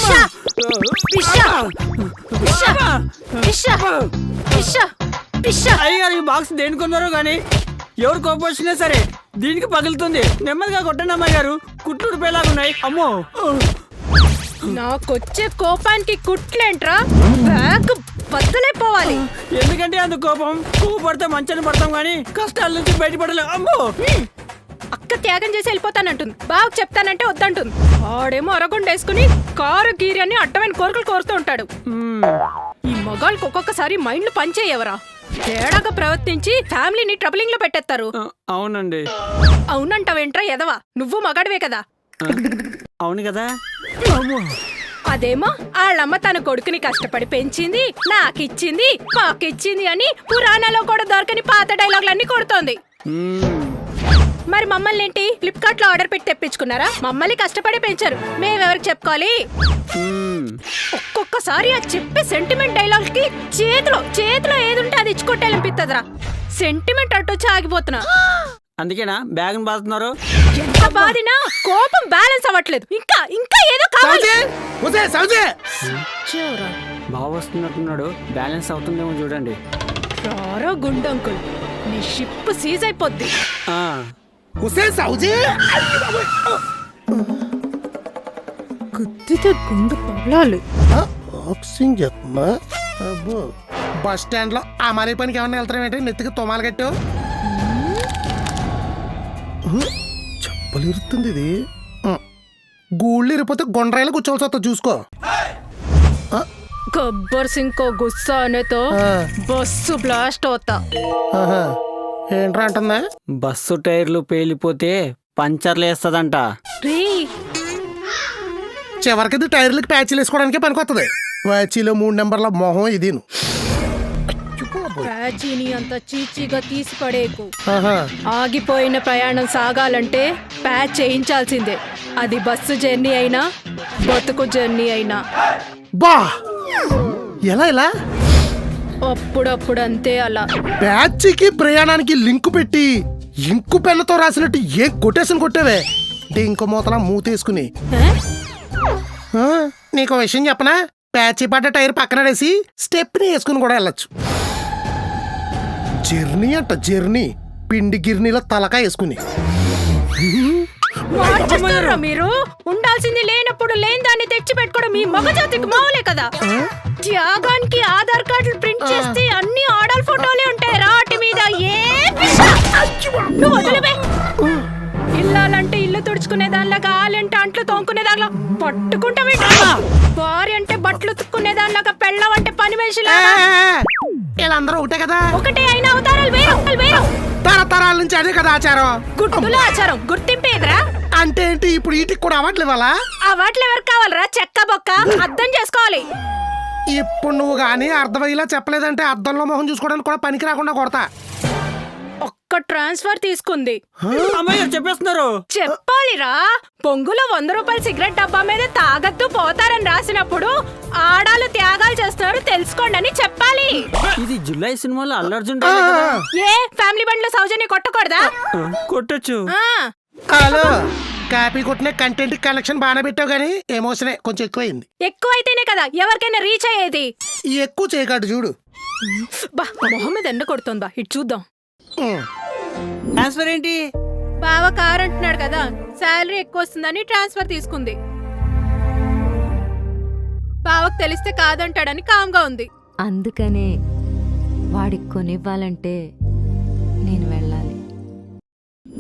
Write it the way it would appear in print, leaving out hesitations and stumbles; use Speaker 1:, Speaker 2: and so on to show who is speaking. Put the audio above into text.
Speaker 1: అయ్యగారు ఈ బాక్స్ దేనికొన్నారో గానీ ఎవరు కోపం వచ్చినా సరే దీనికి పగులుతుంది. నెమ్మదిగా కొట్టండి అమ్మాయి గారు, కుట్లు పేలాగున్నాయి. అమ్మో,
Speaker 2: నాకొచ్చే కోపానికి కుట్లేంట్రా, బ్యాగ్ బద్దలైపోవాలి.
Speaker 1: ఎందుకంటే అంత కోపం, పువ్వు పడితే మంచాన్ని పడతాం గానీ కష్టాల నుంచి బయటపడలేం. అమ్మో,
Speaker 2: అక్క త్యాగం చేసి వెళ్ళిపోతానంటుంది, బాగా చెప్తానంటే వద్దంటుంది. ఆడేమో అరగుండేసుకుని కారు గీరి అని అడ్డమైన కోరికలు కోరుతూ ఉంటాడు. ఈ మగాళ్ళకి ఒక్కొక్కసారి మైండ్లు పనిచేయవరా, తేడాగా ప్రవర్తించి ఫ్యామిలీని ట్రబులింగ్ లో పెట్టేస్తారు.
Speaker 1: అవునండి.
Speaker 2: అవునంటావేంట్రా ఎదవా, నువ్వు మగాడివే కదా.
Speaker 1: అవును కదా.
Speaker 2: అదేమో వాళ్ళమ్మ తన కొడుకుని కష్టపడి పెంచింది, నాకిచ్చింది, పాకిచ్చింది అని పురాణాలో కూడా దొరకని పాత డైలాగులన్నీ కొడుతోంది. మరి మమ్మల్ని ఏంటి ఫ్లిప్కార్ట్ లో ఆర్డర్ పెట్టి తెప్పించుకున్నారా? మమ్మల్ని కష్టపడి పెంచారు, మేమెవరికి చెప్పుకోవాలి? ఒక్కొక్కసారి ఆ చెప్పే సెంటిమెంట్ డైలాగ్ కి చేతిలో ఏదుంటే అది ఇచ్చుకొట్టాలనిపిస్తుందిరా. సెంటిమెంట్ అట్టొచ్చి ఆగిపోతున్నా.
Speaker 1: అందుకేనా బ్యాగ్ బాదుతున్నారు?
Speaker 2: ఎంత బాధినా కోపం బ్యాలెన్స్ అవ్వట్లేదు. ఇంకా ఏదో కావాలి.
Speaker 1: బాగా వస్తున్నట్టున్నాడు, బ్యాలెన్స్ అవుతుందేమో చూడండి.
Speaker 2: రారా గుండంకుల్, నీ షిప్ సీజ్ అయిపోద్ది. గుద్దితే గుండు పగలాలి.
Speaker 3: బస్ స్టాండ్ లో ఆ మరీ పనికి ఏమన్నా వెళ్తారేంటి? నెత్తికి తొమాలు కట్టావు, చెప్పలు ఇరుతుంది ఇది. గూళ్ళు ఇరిపోతే గుండ్రాయిలు కూర్చోవలసి వస్తా, చూసుకో.
Speaker 2: గబ్బర్ సింగ్ కో గుస్సా అనేతో బస్సు బ్లాస్ట్ అవుతా.
Speaker 3: ఏంట్రా అంటుందా?
Speaker 1: బస్సు టైర్లు పేలిపోతే పంచర్లు వేస్తదంట.
Speaker 3: చివరికి టైర్లకి ప్యాచీలు వేసుకోవడానికే పనికొస్తుంది. ప్యాచీలో 3 నెంబర్ల మొహం ఇది.
Speaker 2: ప్యాచీని అంత చీచీగా తీసి పడేకు. ఆగిపోయిన ప్రయాణం సాగాలంటే ప్యాచ్ చేయించాల్సిందే. అది బస్సు జర్నీ అయినా బతుకు జర్నీ అయినా.
Speaker 3: బా ఎలా
Speaker 2: అప్పుడప్పుడు అంతే అలా.
Speaker 3: ప్యాచీకి ప్రయాణానికి లింకు పెట్టి ఇంకు పెన్నుతో రాసినట్టు ఏ కొటేషన్ కొట్టావే అంటే ఇంకో మూతలా మూతేసుకుని. నీకు విషయం చెప్పనా? ప్యాచీ పడ్డ టైర్ పక్కన వేసి స్టెప్ని వేసుకుని కూడా వెళ్ళొచ్చు. జర్నీ అంట జర్నీ, పిండి గిర్నీలో తలకా వేసుకుని.
Speaker 2: మీరు ఉండాల్సింది లేనప్పుడు లేని దాన్ని తెచ్చి పెట్టుకోవడం మీ మగజాతికి మావులే కదా. త్యాగానికి ఆధార్ కార్డులు ప్రింట్ చేస్తే అన్ని ఆడల్ ఫోటోలే ఉంటాయి రాటి మీద. ఇల్లాలంటే ఇల్లు తుడుచుకునే దానిలాగా, ఆలంటే అంట్లు తోముకునే దానిలా పట్టుకుంటావే. భార్య అంటే బట్టలు ఉతుక్కునే దానిలాగా, పెళ్ళం అంటే పని మనిషిలా.
Speaker 3: వీళ్ళందరూ ఒకటే కదా.
Speaker 2: ఒకటే అయినా అవతారాలు వేరు.
Speaker 3: తరతరాల నుంచి అదే కదా ఆచారం.
Speaker 2: గుర్తుల ఆచారం గుర్తింపేదిరా.
Speaker 3: అంటే ఏంటి ఇప్పుడు వీటికి కూడా అవార్డులు ఇవ్వాలా?
Speaker 2: అవార్డులు ఎవరికి కావాలరా? చెక్క బొక్క అర్థం చేసుకోవాలి.
Speaker 3: ఇప్పుడు నువ్వు గానీ అర్థమయ్యేలా చెప్పలేదంటే అద్దంలో మొహం చూసుకోవడానికి కూడా పనికి రాకుండా కొడతా.
Speaker 2: ఒక్క ట్రాన్స్ఫర్ తీసుకుంది.
Speaker 1: అమ్మాయి చెప్పేస్తున్నారు.
Speaker 2: చెప్పాలిరా. పొంగులో 100 రూపాయల సిగరెట్ డబ్బా మీద తాగద్దు పోతారని రాసినప్పుడు ఆడాలు త్యాగాలు చేస్తున్నారు తెలుసుకోండి అని చెప్పాలి.
Speaker 1: ఇది జులై సినిమాలో అల్లు అర్జున్.
Speaker 2: ఏ ఫ్యామిలీ బండ్లో సౌజన్య కొట్టకూడదా?
Speaker 1: కొట్టొచ్చు.
Speaker 3: హలో, కాపీ కొట్టిన కంటెంట్ కలెక్షన్ బాగానే పెట్టావు కానీ ఎమోషనే కొంచెం ఎక్కువైంది.
Speaker 2: ఎక్కువైతేనే కదా ఎవరికైనా రీచ్ అయ్యేది.
Speaker 3: ఎక్కువ చేయకాడు చూడు.
Speaker 2: బా మొహం మీద ఎండ కొడుతుందా, ఇటు చూద్దాం.
Speaker 1: ట్రాన్స్ఫర్ ఏంటి?
Speaker 2: బావ కార్ అంటున్నాడు కదా, శాలరీ ఎక్కువ వస్తుందని ట్రాన్స్ఫర్ తీసుకుంది. బావకు తెలిస్తే కాదంటాడని కామ్గా ఉంది.
Speaker 4: అందుకనే వాడికి కొనివ్వాలంటే